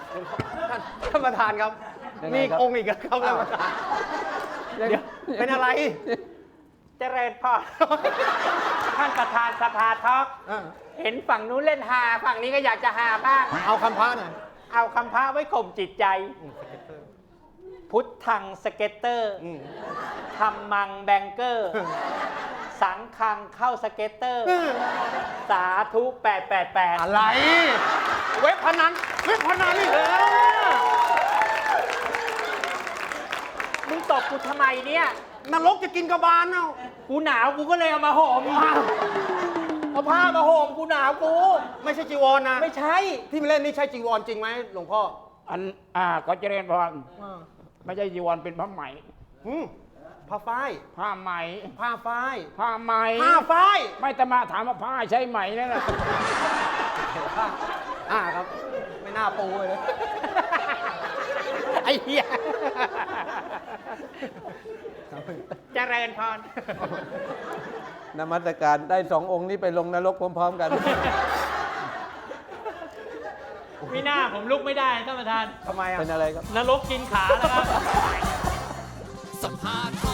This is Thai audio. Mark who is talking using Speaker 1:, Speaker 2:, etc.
Speaker 1: ท่านประธานครับมีองค์อีกครับท่านประธานเดี๋ยวเป็นอะไร
Speaker 2: เจริญพร ท่านประธานสภาทอกเห็นฝั่งนู้นเล่นฮาฝั่งนี้ก็อยากจะฮาบ้าง
Speaker 1: เอาคำพระหน่อย
Speaker 2: เอาคำพระไว้ข่มจิตใจ พุทธังสเก็ตเตอร์ธรรมังแบงเกอร์ สังคังเข้าสเก็ตเตอร์ สาธุ888
Speaker 1: อะไร เว็บพนันนี่เหรอ
Speaker 2: มึงตบกูทำไมเนี่ย
Speaker 1: นรกจะกินกระบาลเอ้า
Speaker 2: กูหนาวกูก็เลยเอามาห่มเอาผ้ามาห่มกูหนาวกู
Speaker 1: ไม่ใช่จีวรนะ
Speaker 2: ไม่ใช่
Speaker 1: ที่มาเล่นนี่ใช่จีวรจริงไหมหลวงพ่อ
Speaker 3: ก็เจริญพรไม่ใช่จีวรเป็นผ้าไหม
Speaker 1: ผ้าฝ้าย
Speaker 3: ผ้าไหม
Speaker 1: ผ้าฝ้าย
Speaker 3: ผ้าไหม
Speaker 1: ผ้าฝ้าย
Speaker 3: ไม่แต่มาถามว่าผ้าใช่ไหมนั่นแหละ
Speaker 1: ครับ ไม่น่าปูเลย ไอ้เหี้ย
Speaker 2: เจริญพร
Speaker 4: นมัสการได้สององค์นี้ไปลงนรกพร้อมๆกัน
Speaker 2: ไม่น่าผมลุกไม่ได้ท่านประธาน
Speaker 1: ทำไมอ่ะ
Speaker 4: เป็นอะไรครับ
Speaker 2: นรกกินขาแล้วครับ
Speaker 5: สัมภาษณ์